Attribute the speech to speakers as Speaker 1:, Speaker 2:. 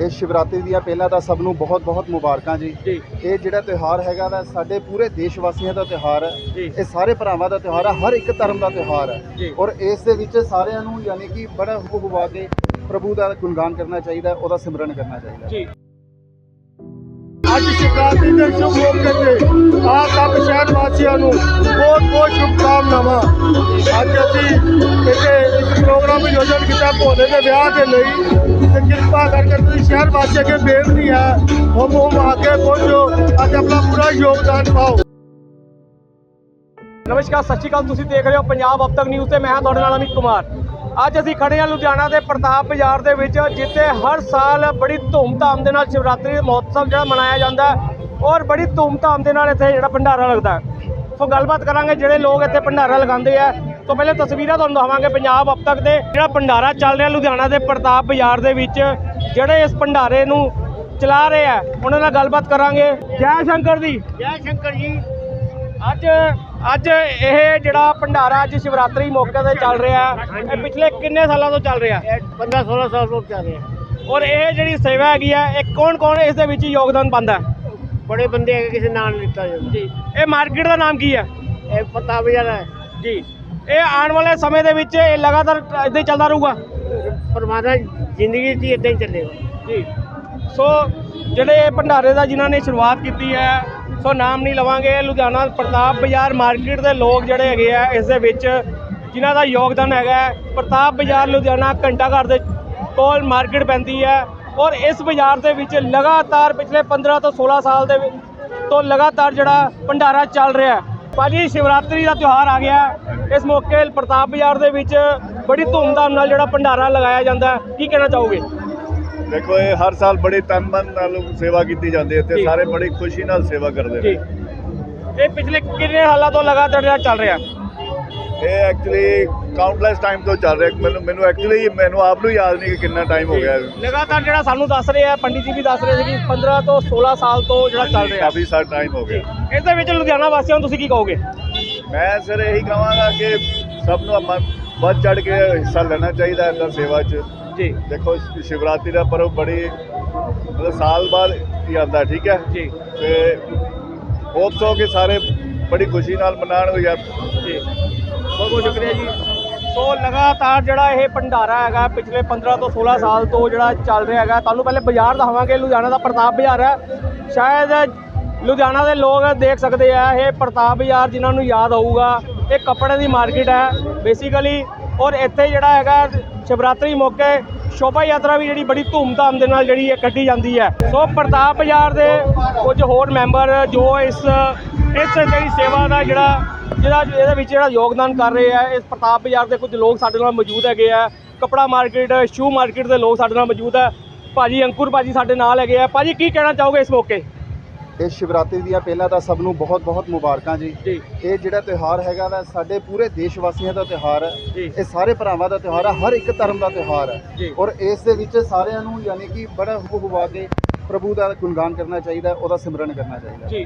Speaker 1: ਇਹ ਸ਼ਿਵਰਾਤਰੀ ਦੀਆਂ ਪਹਿਲਾਂ ਤਾਂ ਸਭ ਨੂੰ ਬਹੁਤ ਬਹੁਤ ਮੁਬਾਰਕਾਂ ਜੀ। ਇਹ ਜਿਹੜਾ ਤਿਉਹਾਰ ਹੈਗਾ ਵਾ ਸਾਡੇ ਪੂਰੇ ਦੇਸ਼ ਵਾਸੀਆਂ ਦਾ ਤਿਉਹਾਰ ਹੈ। ਇਹ ਸਾਰੇ ਭਰਾਵਾਂ ਦਾ ਤਿਉਹਾਰ ਹੈ, ਹਰ ਇੱਕ ਧਰਮ ਦਾ ਤਿਉਹਾਰ ਹੈ ਔਰ ਇਸ ਦੇ ਵਿੱਚ ਸਾਰਿਆਂ ਨੂੰ ਯਾਨੀ ਕਿ ਬੜਾ ਹੁਬ ਹੁਬਾ ਕੇ ਪ੍ਰਭੂ ਦਾ ਗੁਣਗਾਨ ਕਰਨਾ ਚਾਹੀਦਾ, ਉਹਦਾ ਸਿਮਰਨ ਕਰਨਾ ਚਾਹੀਦਾ ਜੀ।
Speaker 2: ਅੱਜ ਸ਼ਿਵਰਾਤਰੀ ਦੇ ਸ਼ੁਭ ਮੌਕੇ ਤੇ ਆਪ ਸਭ ਸ਼ਹਿਰ ਵਾਸੀਆਂ ਨੂੰ ਬਹੁਤ ਬਹੁਤ ਸ਼ੁਭਕਾਮਨਾਵਾਂ। ਅੱਜ ਅਸੀਂ ਇੱਥੇ ਇੱਕ ਪ੍ਰੋਗਰਾਮ ਆਯੋਜਨ ਕੀਤਾ ਭੋਲੇ ਦੇ ਵਿਆਹ ਦੇ ਲਈ, ਤੇ ਕਿਰਪਾ ਕਰਕੇ ਤੁਸੀਂ ਸ਼ਹਿਰ ਵਾਸੀਆਂ ਅੱਗੇ ਬੇਨਤੀ ਹੈ ਉਹ ਆ ਕੇ ਪਹੁੰਚੋ, ਅੱਜ ਆਪਣਾ ਪੂਰਾ ਯੋਗਦਾਨ ਪਾਓ।
Speaker 3: ਨਮਸਕਾਰ, ਸਤਿ ਸ਼੍ਰੀ ਅਕਾਲ। ਤੁਸੀਂ ਦੇਖ ਰਹੇ ਹੋ ਪੰਜਾਬ ਅਬ ਤੱਕ ਨਿਊਜ਼ ਤੇ ਮੈਂ ਹਾਂ ਤੁਹਾਡੇ ਨਾਲ ਅਮਿਤ ਕੁਮਾਰ। ਅੱਜ ਅਸੀਂ ਖੜੇ ਹਾਂ ਲੁਧਿਆਣਾ ਦੇ ਪ੍ਰਤਾਪ ਬਾਜ਼ਾਰ ਦੇ ਵਿੱਚ, ਜਿੱਥੇ ਹਰ ਸਾਲ ਬੜੀ ਧੂਮਧਾਮ ਦੇ ਨਾਲ ਸ਼ਿਵਰਾਤਰੀ ਮਹੋਤਸਵ ਜਿਹੜਾ ਮਨਾਇਆ ਜਾਂਦਾ ਹੈ ਔਰ ਬੜੀ ਧੂਮਧਾਮ ਦੇ ਨਾਲ ਇੱਥੇ ਜਿਹੜਾ ਭੰਡਾਰਾ ਲੱਗਦਾ ਹੈ। ਸੋ ਗੱਲਬਾਤ ਕਰਾਂਗੇ ਜਿਹੜੇ ਲੋਕ ਇੱਥੇ ਭੰਡਾਰਾ ਲਗਾਉਂਦੇ ਆ। ਤੋਂ ਪਹਿਲੇ ਤਸਵੀਰਾਂ ਤੁਹਾਨੂੰ ਦਿਖਾਵਾਂਗੇ ਪੰਜਾਬ ਅਬ ਤੱਕ ਦੇ ਜਿਹੜਾ ਭੰਡਾਰਾ ਚੱਲ ਰਿਹਾ ਲੁਧਿਆਣਾ ਦੇ ਪ੍ਰਤਾਪ ਬਾਜ਼ਾਰ ਦੇ ਵਿੱਚ, ਜਿਹੜੇ ਇਸ ਭੰਡਾਰੇ ਨੂੰ ਚਲਾ ਰਹੇ ਆ ਉਹਨਾਂ ਨਾਲ ਗੱਲਬਾਤ ਕਰਾਂਗੇ। ਜੈ ਸ਼ੰਕਰ ਦੀ।
Speaker 2: ਜੈ ਸ਼ੰਕਰ ਜੀ।
Speaker 3: ਅੱਜ ਇਹ ਜਿਹੜਾ ਭੰਡਾਰਾ ਅੱਜ ਸ਼ਿਵਰਾਤਰੀ ਮੌਕੇ ਤੇ ਚੱਲ ਰਿਹਾ, ਇਹ ਪਿਛਲੇ ਕਿੰਨੇ ਸਾਲਾਂ ਤੋਂ ਚੱਲ ਰਿਹਾ?
Speaker 2: 15-16 ਸਾਲ ਤੋਂ ਚੱਲ ਰਿਹਾ।
Speaker 3: ਔਰ ਇਹ ਜਿਹੜੀ ਸੇਵਾ ਹੈਗੀ ਆ, ਇਹ ਕੌਣ ਇਸ ਦੇ ਵਿੱਚ ਯੋਗਦਾਨ ਪਾਉਂਦਾ?
Speaker 2: ਬੜੇ ਬੰਦੇ ਹੈਗੇ, ਕਿਸੇ ਨਾਮ ਲਿੱਤਾ ਜਾਂਦਾ
Speaker 3: ਜੀ। ਇਹ ਮਾਰਕੀਟ ਦਾ ਨਾਮ ਕੀ ਹੈ?
Speaker 2: ਇਹ ਪ੍ਰਤਾਪ ਬਾਜ਼ਾਰ ਹੈ
Speaker 3: ਜੀ। ਇਹ ਆਉਣ ਵਾਲੇ ਸਮੇਂ ਦੇ ਵਿੱਚ ਇਹ ਲਗਾਤਾਰ ਇਦਾਂ ਹੀ ਚੱਲਦਾ ਰਹੂਗਾ?
Speaker 2: ਪਰਮਾਤਮਾ ਜ਼ਿੰਦਗੀ 'ਚ ਇਦਾਂ ਹੀ ਚੱਲੇਗਾ
Speaker 3: ਜੀ। ਸੋ ਜਿਹੜੇ ਭੰਡਾਰੇ ਦਾ ਜਿਨ੍ਹਾਂ ਨੇ ਸ਼ੁਰੂਆਤ ਕੀਤੀ ਹੈ, ਸੋ ਨਾਮ ਨਹੀਂ ਲਵਾਂਗੇ, ਲੁਧਿਆਣਾ ਪ੍ਰਤਾਪ ਬਾਜ਼ਾਰ ਮਾਰਕੀਟ ਦੇ ਲੋਕ ਜਿਹੜੇ ਹੈਗੇ ਆ ਇਸ ਦੇ ਵਿੱਚ ਜਿਨ੍ਹਾਂ ਦਾ ਯੋਗਦਾਨ ਹੈਗਾ। ਪ੍ਰਤਾਪ ਬਾਜ਼ਾਰ ਲੁਧਿਆਣਾ ਘੰਟਾ ਘਰ ਦੇ ਕੋਲ ਮਾਰਕੀਟ ਪੈਂਦੀ ਹੈ ਔਰ ਇਸ ਬਾਜ਼ਾਰ ਦੇ ਵਿੱਚ ਲਗਾਤਾਰ ਪਿਛਲੇ 15 ਤੋਂ 16 ਸਾਲ ਦੇ ਤੋਂ ਲਗਾਤਾਰ ਜਿਹੜਾ ਭੰਡਾਰਾ ਚੱਲ ਰਿਹਾ ਹੈ। ਭਾਜੀ, ਸ਼ਿਵਰਾਤਰੀ ਦਾ ਤਿਉਹਾਰ ਆ ਗਿਆ, ਇਸ ਮੌਕੇ ਪ੍ਰਤਾਪ ਬਾਜ਼ਾਰ ਦੇ ਵਿੱਚ ਬੜੀ ਧੂਮਧਾਮ ਨਾਲ ਜਿਹੜਾ ਭੰਡਾਰਾ ਲਗਾਇਆ ਜਾਂਦਾ, ਕੀ ਕਹਿਣਾ ਚਾਹੋਗੇ?
Speaker 4: देखो ये हर साल बड़ी तन मन नाल सेवा की जाती है, सारे बड़ी खुशी नाल सेवा करते हैं।
Speaker 3: ये पिछले कितने सालों तो लगातार चल रहा?
Speaker 4: ये एक्चुअली काउंटलेस टाइम तो चल रहा है। मैनू एक्चुअली मैनू आप नूं याद नहीं कि कितना टाइम हो गया
Speaker 3: लगातार जो सानू दस रहे हैं, पंडित जी भी दस रहे थे कि 15 तो 16 साल तो जो चल रहा,
Speaker 4: काफ़ी सारा टाइम हो गया।
Speaker 3: इस दे विच लुधियाना वासियों नूं तुसीं की कहोगे?
Speaker 4: मैं सर यही कहवांगा कि सब नूं बढ़ चढ़ के हिस्सा लेना चाहिए इस सेवा च
Speaker 3: जी।
Speaker 4: देखो शिवरात्रि का पर्व बड़ी मतलब साल बाद ही आता है, ठीक है
Speaker 3: जी।
Speaker 4: तो होप्स हो कि सारे बड़ी खुशी नाल मनाण यार
Speaker 3: जी। बहुत बहुत शुक्रिया जी। सो लगातार ਜਿਹੜਾ ਇਹ ਭੰਡਾਰਾ ਹੈਗਾ ਪਿਛਲੇ 15 ਤੋਂ 16 ਸਾਲ ਤੋਂ ਜਿਹੜਾ ਚੱਲ ਰਿਹਾ ਹੈਗਾ। ਤੁਹਾਨੂੰ ਪਹਿਲੇ ਬਾਜ਼ਾਰ ਦਿਖਾਵਾਂਗੇ, ਲੁਧਿਆਣਾ ਦਾ ਪ੍ਰਤਾਪ ਬਾਜ਼ਾਰ ਹੈ। ਸ਼ਾਇਦ ਲੁਧਿਆਣਾ ਦੇ ਲੋਕ ਦੇਖ ਸਕਦੇ ਆ ਇਹ ਪ੍ਰਤਾਪ ਬਾਜ਼ਾਰ, ਜਿਨ੍ਹਾਂ ਨੂੰ ਯਾਦ ਹੋਊਗਾ ਇਹ ਕੱਪੜੇ ਦੀ ਮਾਰਕੀਟ ਹੈ ਬੇਸਿਕਲੀ। ਔਰ ਇੱਥੇ ਜਿਹੜਾ ਹੈਗਾ ਸ਼ਿਵਰਾਤਰੀ ਮੌਕੇ ਸ਼ੋਭਾ ਯਾਤਰਾ ਵੀ ਜਿਹੜੀ ਬੜੀ ਧੂਮਧਾਮ ਦੇ ਨਾਲ ਜਿਹੜੀ ਕੱਢੀ ਜਾਂਦੀ ਹੈ। ਸੋ ਪ੍ਰਤਾਪ ਬਾਜ਼ਾਰ ਦੇ ਕੁਝ ਹੋਰ ਮੈਂਬਰ ਜੋ ਇਸ ਜਿਹੜੀ ਸੇਵਾ ਦਾ ਜਿਹੜਾ ਇਹਦੇ ਵਿੱਚ ਜਿਹੜਾ ਯੋਗਦਾਨ ਕਰ ਰਹੇ ਆ, ਇਸ ਪ੍ਰਤਾਪ ਬਾਜ਼ਾਰ ਦੇ ਕੁਝ ਲੋਕ ਸਾਡੇ ਨਾਲ ਮੌਜੂਦ ਹੈਗੇ ਆ। ਕੱਪੜਾ ਮਾਰਕੀਟ, ਸ਼ੂ ਮਾਰਕੀਟ ਦੇ ਲੋਕ ਸਾਡੇ ਨਾਲ ਮੌਜੂਦ ਹੈ। ਭਾਜੀ ਅੰਕੁਰ ਭਾਜੀ ਸਾਡੇ ਨਾਲ ਹੈਗੇ ਆ। ਭਾਜੀ, ਕੀ ਕਹਿਣਾ ਚਾਹੋਗੇ ਇਸ ਮੌਕੇ?
Speaker 1: ਇਹ ਸ਼ਿਵਰਾਤਰੀ ਦੀਆਂ ਪਹਿਲਾਂ ਤਾਂ ਸਭ ਨੂੰ ਬਹੁਤ ਬਹੁਤ ਮੁਬਾਰਕਾਂ ਜੀ। ਇਹ ਜਿਹੜਾ ਤਿਉਹਾਰ ਹੈਗਾ ਵਾ ਸਾਡੇ ਪੂਰੇ ਦੇਸ਼ ਵਾਸੀਆਂ ਦਾ ਤਿਉਹਾਰ ਹੈ। ਇਹ ਸਾਰੇ ਭਰਾਵਾਂ ਦਾ ਤਿਉਹਾਰ ਹੈ, ਹਰ ਇੱਕ ਧਰਮ ਦਾ ਤਿਉਹਾਰ ਹੈ ਔਰ ਇਸ ਦੇ ਵਿੱਚ ਸਾਰਿਆਂ ਨੂੰ ਯਾਨੀ ਕਿ ਬੜਾ ਹੁਬ ਹੁਬਾ ਕੇ ਪ੍ਰਭੂ ਦਾ ਗੁਣਗਾਨ ਕਰਨਾ ਚਾਹੀਦਾ, ਉਹਦਾ ਸਿਮਰਨ ਕਰਨਾ ਚਾਹੀਦਾ।